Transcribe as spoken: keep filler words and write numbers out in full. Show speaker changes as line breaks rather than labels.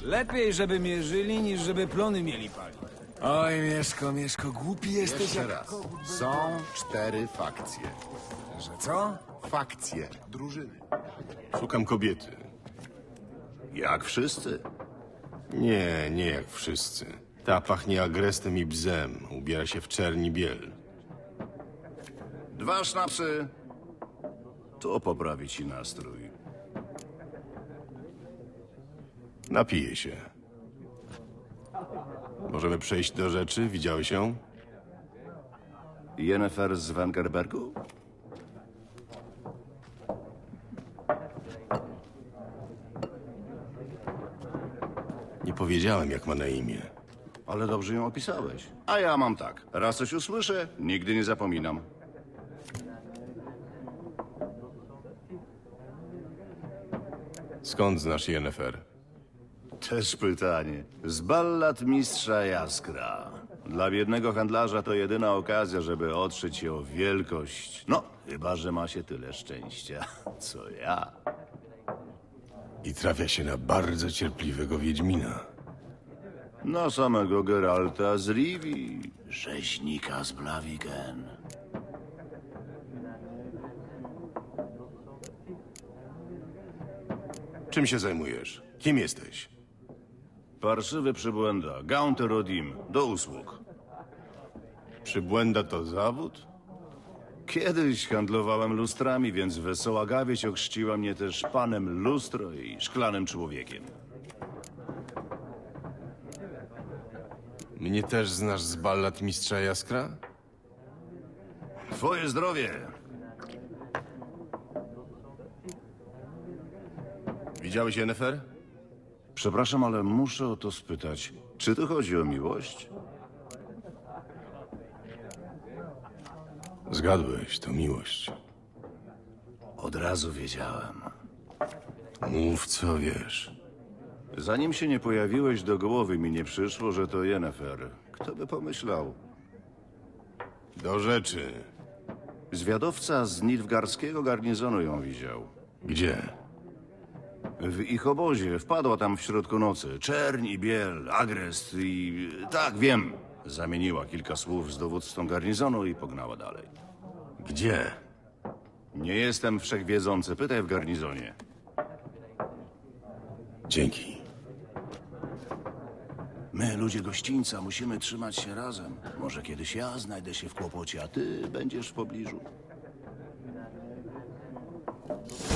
Lepiej, żeby mierzyli, niż żeby plony mieli palić. Oj, Mieszko, Mieszko, głupi jesteś
Jeszcze
jak...
raz. Są cztery fakcje.
Że co?
Fakcje. Drużyny.
Szukam kobiety.
Jak wszyscy.
Nie, nie jak wszyscy. Ta pachnie agrestem i bzem. Ubiera się w czerni biel.
Dwa sznapsy. To poprawi ci nastrój.
Napije się. Możemy przejść do rzeczy? Widziałeś ją?
Jennifer z Wengerbergu?
Nie powiedziałem, jak ma na imię.
Ale dobrze ją opisałeś. A ja mam tak. Raz coś usłyszę, nigdy nie zapominam.
Skąd znasz Jennifer?
Też pytanie. Z ballad mistrza Jaskra. Dla biednego handlarza to jedyna okazja, żeby otrzeć się o wielkość. No, chyba że ma się tyle szczęścia, co ja.
I trafia się na bardzo cierpliwego Wiedźmina.
Na samego Geralta z Rivii, rzeźnika z Blaviken.
Czym się zajmujesz? Kim jesteś?
Parszywy przybłęda, Gaunter Odim, do usług.
Przybłęda to zawód?
Kiedyś handlowałem lustrami, więc wesoła gawieć ochrzciła mnie też panem lustro i szklanym człowiekiem.
Mnie też znasz z ballad mistrza Jaskra?
Twoje zdrowie!
Widziałeś Jennifer?
Przepraszam, ale muszę o to spytać. Czy tu chodzi o miłość?
Zgadłeś, to miłość.
Od razu wiedziałem.
Mów co wiesz.
Zanim się nie pojawiłeś, do głowy mi nie przyszło, że to Jennifer. Kto by pomyślał?
Do rzeczy.
Zwiadowca z nilfgaardzkiego garnizonu ją widział.
Gdzie?
W ich obozie wpadła tam w środku nocy. Czerń i biel, agrest i... Tak, wiem. Zamieniła kilka słów z dowódcą garnizonu i pognała dalej.
Gdzie?
Nie jestem wszechwiedzący. Pytaj w garnizonie.
Dzięki.
My, ludzie gościńca, musimy trzymać się razem. Może kiedyś ja znajdę się w kłopocie, a ty będziesz w pobliżu.